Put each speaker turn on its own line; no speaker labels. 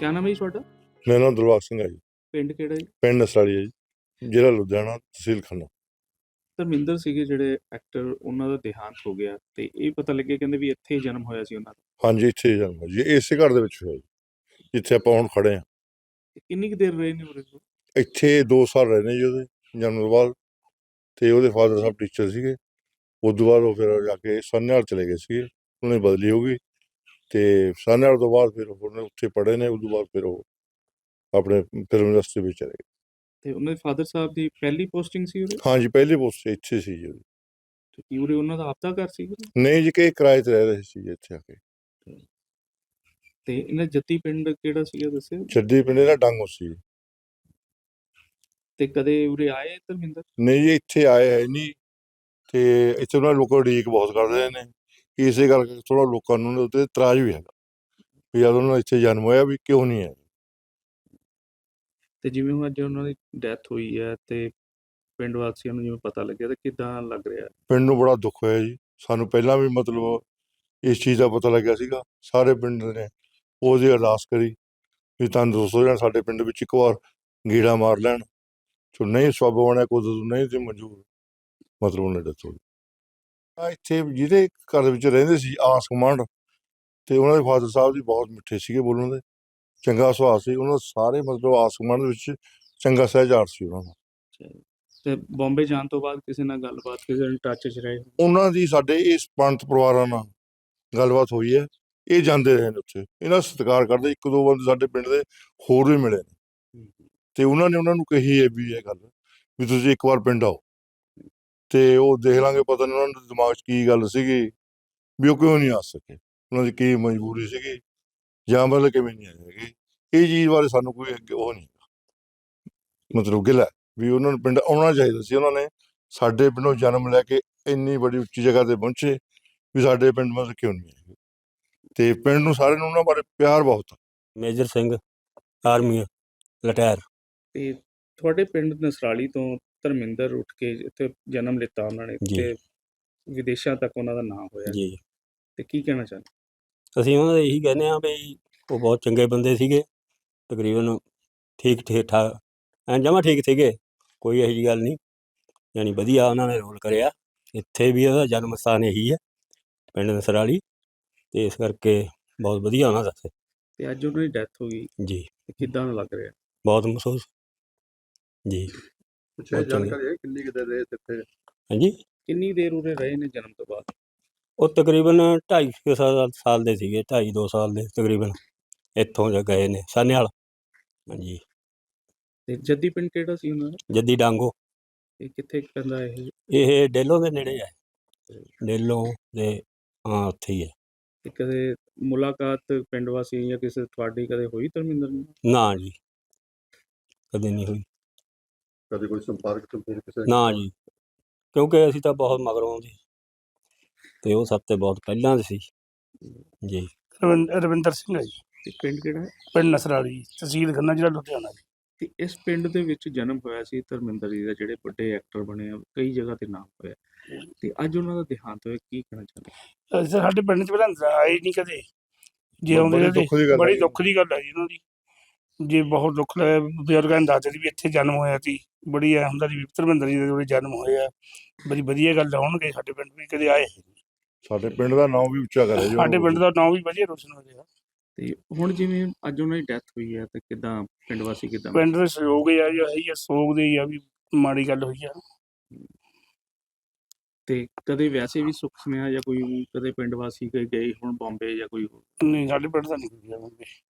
ਕਿਆ ਨਾਮ ਹੈ ਜੀ ਤੁਹਾਡਾ?
ਮੇਰਾ ਨਾਮ ਦਿਲਬਾਗ ਸਿੰਘ ਹੈ ਜੀ।
ਪਿੰਡ ਕਿਹੜਾ ਜੀ?
ਪਿੰਡ ਨਸਰਾਲੀ ਹੈ ਜੀ, ਜ਼ਿਲ੍ਹਾ ਲੁਧਿਆਣਾ, ਤਹਿਸੀਲ ਖੰਨਾ।
ਧਰਮਿੰਦਰ ਸੀਗੇ ਜਿਹੜੇ ਐਕਟਰ, ਉਹਨਾਂ ਦਾ ਦੇਹਾਂਤ ਹੋ ਗਿਆ ਤੇ ਇਹ ਪਤਾ ਲੱਗਿਆ ਕਹਿੰਦੇ ਵੀ ਇੱਥੇ ਹੀ ਜਨਮ ਹੋਇਆ ਸੀ ਉਹਨਾਂ ਦਾ।
ਹਾਂਜੀ, ਇੱਥੇ ਹੀ ਜਨਮ ਹੋਇਆ ਜੀ, ਇਸੇ ਘਰ ਦੇ ਵਿੱਚ ਹੋਇਆ ਜੀ, ਜਿੱਥੇ ਆਪਾਂ ਹੁਣ ਖੜੇ ਹਾਂ।
ਤੇ ਕਿੰਨੀ ਕੁ ਦੇਰ ਰਹੇ ਨੇ ਉਰੇ?
ਇੱਥੇ 2 ਸਾਲ ਰਹੇ ਨੇ ਜੀ ਉਹਦੇ ਜਨਮ ਤੋਂ ਬਾਅਦ। ਤੇ ਉਹਦੇ ਫਾਦਰ ਸਾਹਿਬ ਟੀਚਰ ਸੀਗੇ। ਉਸ ਤੋਂ ਬਾਅਦ ਉਹ ਫਿਰ ਜਾ ਕੇ ਸਾਨੇਹਾਲ ਚਲੇ ਗਏ ਸੀਗੇ, ਉਹਨੇ ਬਦਲੀ ਹੋ ਗਈ। ਤੇ ਸਾਨੇਹਾਲ ਤੋਂ ਬਾਅਦ ਫਿਰ ਉਹਨੇ ਉੱਥੇ ਪੜ੍ਹੇ ਨੇ। ਉਸ ਤੋਂ ਬਾਅਦ ਫਿਰ ਉਹ ਆਪਣੇ ਫਿਲਮ ਇੰਡਸਟਰੀ ਵਿੱਚ ਚਲੇ ਗਏ।
ਤੇ ਉਹਨਾਂ ਦੇ ਫਾਦਰ ਸਾਹਿਬ ਦੀ ਪਹਿਲੀ ਪੋਸਟਿੰਗ ਸੀ ਉਰੇ?
ਹਾਂਜੀ, ਪਹਿਲੀ ਪੋਸਟ ਇੱਥੇ ਸੀ ਜੀ ਉਹਦੀ।
ਤੇ ਕੀ ਉਰੇ ਉਹਨਾਂ ਦਾ ਆਪਦਾ ਘਰ ਸੀ?
ਨਹੀਂ ਜੀ, ਕਿ ਕਿਰਾਏ 'ਤੇ ਰਹਿ ਰਹੇ ਸੀ ਜੀ ਇੱਥੇ ਆ ਕੇ।
ਤੇ ਇਹਨਾਂ ਜੱਦੀ ਪਿੰਡ ਕਿਹੜਾ ਸੀਗਾ ਦੱਸਿਓ?
ਜੱਦੀ ਪਿੰਡ ਦਾ ਡਾਂਗੋ ਸੀ।
ਤੇ ਕਦੇ ਉਰੇ ਆਏ ਧਰਮਿੰਦਰ?
ਨਹੀਂ ਜੀ, ਇੱਥੇ ਆਏ ਹੈ ਨਹੀਂ। ਤੇ ਇੱਥੇ ਉਹਨਾਂ ਲੋਕਾਂ ਉਡੀਕ ਬਹੁਤ ਕਰਦੇ ਨੇ, ਇਸੇ ਕਰਕੇ ਥੋੜ੍ਹਾ ਲੋਕਾਂ ਨੂੰ ਉਹਦੇ ਉੱਤੇ ਇਤਰਾਜ਼ ਵੀ ਹੈਗਾ ਵੀ ਜਦ ਉਹਨਾਂ ਦਾ ਇੱਥੇ ਜਨਮ ਹੋਇਆ ਵੀ ਕਿਉਂ ਨਹੀਂ ਹੈ।
ਤੇ ਜਿਵੇਂ ਹੁਣ ਅੱਜ ਉਹਨਾਂ ਦੀ ਡੈਥ ਹੋਈ ਹੈ ਤੇ ਪਿੰਡ ਵਾਸੀਆਂ ਨੂੰ ਜਿਵੇਂ ਪਤਾ ਲੱਗਿਆ ਤਾਂ ਕਿੱਦਾਂ ਲੱਗ ਰਿਹਾ?
ਪਿੰਡ ਨੂੰ ਬੜਾ ਦੁੱਖ ਹੋਇਆ ਜੀ। ਸਾਨੂੰ ਪਹਿਲਾਂ ਵੀ ਮਤਲਬ ਇਸ ਚੀਜ਼ ਦਾ ਪਤਾ ਲੱਗਿਆ ਸੀਗਾ। ਸਾਰੇ ਪਿੰਡ ਨੇ ਉਹਦੀ ਅਰਦਾਸ ਕਰੀ ਵੀ ਤੰਦਰੁਸਤ ਹੋ ਜਾਣ, ਸਾਡੇ ਪਿੰਡ ਵਿੱਚ ਇੱਕ ਵਾਰ ਗੇੜਾ ਮਾਰ ਲੈਣ। ਜੋ ਨਹੀਂ ਸਬੱਬ ਬਣਿਆ ਕੁਦਰਤ ਨਹੀਂ ਤੇ ਮਨਜ਼ੂਰ, ਮਤਲਬ ਉਹਨੇ ਡੈਥ ਹੋ ਗਈ। ਇੱਥੇ ਜਿਹਦੇ ਘਰ ਵਿੱਚ ਰਹਿੰਦੇ ਸੀ ਆਸ ਗੁਆਂਢ, ਤੇ ਉਹਨਾਂ ਦੇ ਫਾਦਰ ਸਾਹਿਬ ਜੀ ਬਹੁਤ ਮਿੱਠੇ ਸੀਗੇ ਬੋਲਣ ਦੇ, ਚੰਗਾ ਸੁਭਾਅ ਸੀ ਉਹਨਾਂ ਦਾ। ਸਾਰੇ ਮਤਲਬ ਆਸ ਗੁਆਂਢ ਦੇ ਵਿੱਚ ਚੰਗਾ ਸਹਿਜਾਰ ਸੀ ਉਹਨਾਂ ਦਾ।
ਤੇ ਬੰਬੇ ਜਾਣ ਤੋਂ ਬਾਅਦ ਕਿਸੇ ਨਾਲ ਗੱਲਬਾਤ, ਕਿਸੇ ਨਾਲ ਟੱਚ 'ਚ ਰਹੇ?
ਉਹਨਾਂ ਦੀ ਸਾਡੇ ਇਸ ਪੰਥ ਪਰਿਵਾਰਾਂ ਨਾਲ ਗੱਲਬਾਤ ਹੋਈ ਹੈ। ਇਹ ਜਾਂਦੇ ਰਹੇ ਨੇ ਉੱਥੇ, ਇਹਨਾਂ ਦਾ ਸਤਿਕਾਰ ਕਰਦੇ। 1-2 ਬੰਦੇ ਸਾਡੇ ਪਿੰਡ ਦੇ ਹੋਰ ਵੀ ਮਿਲੇ ਨੇ, ਤੇ ਉਹਨਾਂ ਨੇ ਉਹਨਾਂ ਨੂੰ ਕਹੀ ਹੈ ਵੀ ਇਹ ਗੱਲ ਵੀ ਤੁਸੀਂ ਇੱਕ ਵਾਰ ਪਿੰਡ ਆਓ ਤੇ ਉਹ ਦੇਖ ਲਾਂਗੇ। ਪਤਾ ਨਹੀਂ ਉਹਨਾਂ ਦੇ ਦਿਮਾਗ 'ਚ ਕੀ ਗੱਲ ਸੀਗੀ ਵੀ ਉਹ ਕਿਉਂ ਨਹੀਂ ਆ ਸਕੇ, ਉਹਨਾਂ ਦੀ ਕੀ ਮਜਬੂਰੀ ਸੀਗੀ ਜਾਂ ਮਤਲਬ ਕਿਵੇਂ ਨਹੀਂ ਆਏ ਹੈਗੇ। ਇਹ ਚੀਜ਼ ਬਾਰੇ ਸਾਨੂੰ ਕੋਈ ਉਹ ਨਹੀਂ ਮਤਲਬ ਗਿਲਾ ਵੀ ਉਹਨਾਂ ਨੂੰ ਪਿੰਡ ਆਉਣਾ ਚਾਹੀਦਾ ਸੀ। ਉਹਨਾਂ ਨੇ ਸਾਡੇ ਪਿੰਡੋਂ ਜਨਮ ਲੈ ਕੇ ਇੰਨੀ ਬੜੀ ਉੱਚੀ ਜਗ੍ਹਾ ਤੇ ਪਹੁੰਚੇ ਵੀ ਸਾਡੇ ਪਿੰਡ ਮਤਲਬ ਕਿਉਂ ਨਹੀਂ ਆਏ। ਤੇ ਪਿੰਡ ਨੂੰ ਸਾਰਿਆਂ ਨੂੰ ਉਹਨਾਂ ਬਾਰੇ ਪਿਆਰ ਬਹੁਤ ਆ।
Major Singh, army retire.
ਤੇ ਤੁਹਾਡੇ ਪਿੰਡ ਨਸਰਾਲੀ ਤੋਂ ਧਰਮਿੰਦਰ ਉੱਠ ਕੇ ਇੱਥੇ ਜਨਮ ਲਿੱਤਾ ਉਹਨਾਂ ਨੇ ਤੇ ਵਿਦੇਸ਼ਾਂ ਤੱਕ ਉਹਨਾਂ ਦਾ ਨਾਮ ਹੋਇਆ
ਜੀ।
ਤੇ ਕੀ ਕਹਿਣਾ ਚਾਹੁੰਦੇ?
ਅਸੀਂ ਉਹਨਾਂ ਦੇ ਇਹੀ ਕਹਿੰਦੇ ਹਾਂ ਵੀ ਉਹ ਬਹੁਤ ਚੰਗੇ ਬੰਦੇ ਸੀਗੇ, ਤਕਰੀਬਨ ਠੀਕ ਠਾਕ, ਜਮਾਂ ਠੀਕ ਸੀਗੇ, ਕੋਈ ਇਹੋ ਜਿਹੀ ਗੱਲ ਨਹੀਂ। ਯਾਨੀ ਵਧੀਆ ਉਹਨਾਂ ਨੇ ਰੋਲ ਕਰਿਆ। ਇੱਥੇ ਵੀ ਉਹਦਾ ਜਨਮ ਸਥਾਨ ਇਹੀ ਹੈ, ਪਿੰਡ ਨਸਰਾਲੀ, ਤੇ ਇਸ ਕਰਕੇ ਬਹੁਤ ਵਧੀਆ ਉਹਨਾਂ ਦਾ।
ਤੇ ਅੱਜ ਉਹਨਾਂ ਦੀ ਡੈਥ ਹੋ ਗਈ
ਜੀ,
ਕਿੱਦਾਂ ਦਾ ਲੱਗ ਰਿਹਾ?
ਬਹੁਤ ਮਹਿਸੂਸ ਜੀ।
ਜਾਣਕਾਰੀ ਹੈ ਕਿੰਨੀ ਕੁ ਦੇਰ ਰਹੇ ਇੱਥੇ?
ਹਾਂਜੀ,
ਕਿੰਨੀ ਦੇਰ ਉਰੇ ਰਹੇ ਨੇ ਜਨਮ ਤੋਂ ਬਾਅਦ?
ਉਹ ਤਕਰੀਬਨ 2.5 ਸਾਲ ਦੇ ਸੀਗੇ, 2.5-2 ਸਾਲ ਦੇ ਤਕਰੀਬਨ। ਇੱਥੋਂ ਗਏ ਨੇ ਸਾਨੇਹਾਲ। ਹਾਂਜੀ। ਤੇ
ਜੱਦੀ ਪਿੰਡ ਕਿਹੜਾ ਸੀ ਉਹਨਾਂ ਦਾ?
ਜੱਦੀ ਡਾਂਗੋ।
ਇਹ ਕਿੱਥੇ ਪੈਂਦਾ ਇਹ?
ਇਹ ਡੇਲੋਂ ਦੇ ਨੇੜੇ ਹੈ, ਡੇਲੋਂ ਦੇ, ਹਾਂ ਉੱਥੇ ਹੀ ਹੈ।
ਤੇ ਕਦੇ ਮੁਲਾਕਾਤ ਪਿੰਡ ਵਾਸੀ ਜਾਂ ਕਿਸੇ ਤੁਹਾਡੀ ਕਦੇ ਹੋਈ ਧਰਮਿੰਦਰ ਨਾਲ?
ਨਾ ਜੀ, ਕਦੇ ਨਹੀਂ ਹੋਈ।
ਕਦੇ ਕੋਈ ਸੰਪਰਕ ਕਿਸੇ?
ਨਾ ਜੀ, ਕਿਉਂਕਿ ਅਸੀਂ ਤਾਂ ਬਹੁਤ ਮਗਰੋਂ ਦੇ ਤੇ ਉਹ ਸਭ ਤੋਂ ਬਹੁਤ ਪਹਿਲਾਂ ਦੇ ਸੀ ਜੀ।
ਰਵਿੰਦਰ ਸਿੰਘ ਹੈ ਜੀ।
ਤੇ ਪਿੰਡ ਕਿਹੜਾ ਹੈ?
ਪਿੰਡ ਨਸਰਾਲੀ, ਤਹਿਸੀਲ ਖੰਨਾ, ਜ਼ਿਲ੍ਹਾ ਲੁਧਿਆਣਾ ਜੀ।
ਤੇ ਇਸ ਪਿੰਡ ਦੇ ਵਿੱਚ ਜਨਮ ਹੋਇਆ ਸੀ ਧਰਮਿੰਦਰ ਜੀ ਦਾ, ਜਿਹੜੇ ਵੱਡੇ ਐਕਟਰ ਬਣੇ ਆ, ਕਈ ਜਗ੍ਹਾ ਤੇ ਨਾਮ ਹੋਇਆ, ਤੇ ਅੱਜ ਉਹਨਾਂ ਦਾ ਦੇਹਾਂਤ ਹੋਇਆ, ਕੀ ਕਹਿਣਾ ਚਾਹੁੰਦੇ?
ਸਾਡੇ ਪਿੰਡ 'ਚ ਪਹਿਲਾਂ ਆਏ ਨਹੀਂ ਕਦੇ, ਜੇ ਆਉਂਦੇ ਬੜੀ ਦੁੱਖ ਦੀ ਗੱਲ ਹੈ ਜੀ ਉਹਨਾਂ ਦੀ। ਜੇ ਬਹੁਤ ਦੁੱਖ ਲੱਗਿਆ, ਬਜ਼ੁਰਗਾਂ ਨੇ ਦੱਸਦੇ ਸੀ ਵੀ ਇੱਥੇ ਜਨਮ ਹੋਇਆ ਸੀ। ਬੜੀ ਐ ਹੁੰਦਾ ਸੀ ਧਰਮਿੰਦਰ ਜੀ ਦੇ ਜਿਹੜੇ ਜਨਮ ਹੋਏ ਆ, ਬੜੀ ਵਧੀਆ ਗੱਲ ਹੋਣਗੇ। ਸਾਡੇ ਪਿੰਡ ਵੀ ਕਦੇ ਆਏ,
ਸਾਡੇ ਪਿੰਡ ਦਾ ਨਾਮ ਵੀ ਉੱਚਾ ਕਰਿਆ ਜੀ।
ਸਾਡੇ ਪਿੰਡ ਦਾ ਨਾਮ ਵੀ ਵਧੀਆ ਰੋਸ਼ਨ ਹੋ ਰਿਹਾ।
ਤੇ ਹੁਣ ਜਿਵੇਂ ਅੱਜ ਉਹਨਾਂ ਦੀ ਡੈਥ ਹੋਈ ਹੈ ਤੇ ਕਿੱਦਾਂ ਪਿੰਡ ਵਾਸੀ, ਕਿੱਦਾਂ
ਪਿੰਡ ਦੇ ਸਹਿਯੋਗ ਆ ਜੀ, ਇਹੀ ਆ ਸੋਗ ਦੇ ਆ ਵੀ ਮਾੜੀ ਗੱਲ ਹੋਈ ਆ।
ਤੇ ਕਦੇ ਵੈਸੇ ਵੀ ਸੁੱਖ ਸੁਨੇਹਾ ਜਾਂ ਕੋਈ ਕਦੇ ਪਿੰਡ ਵਾਸੀ ਗਏ ਹੁਣ ਬੰਬੇ ਜਾਂ ਕੋਈ?
ਨਹੀਂ, ਸਾਡੇ ਪਿੰਡ ਦਾ ਨਹੀਂ ਕੋਈ ਗਿਆ ਬੰਬੇ।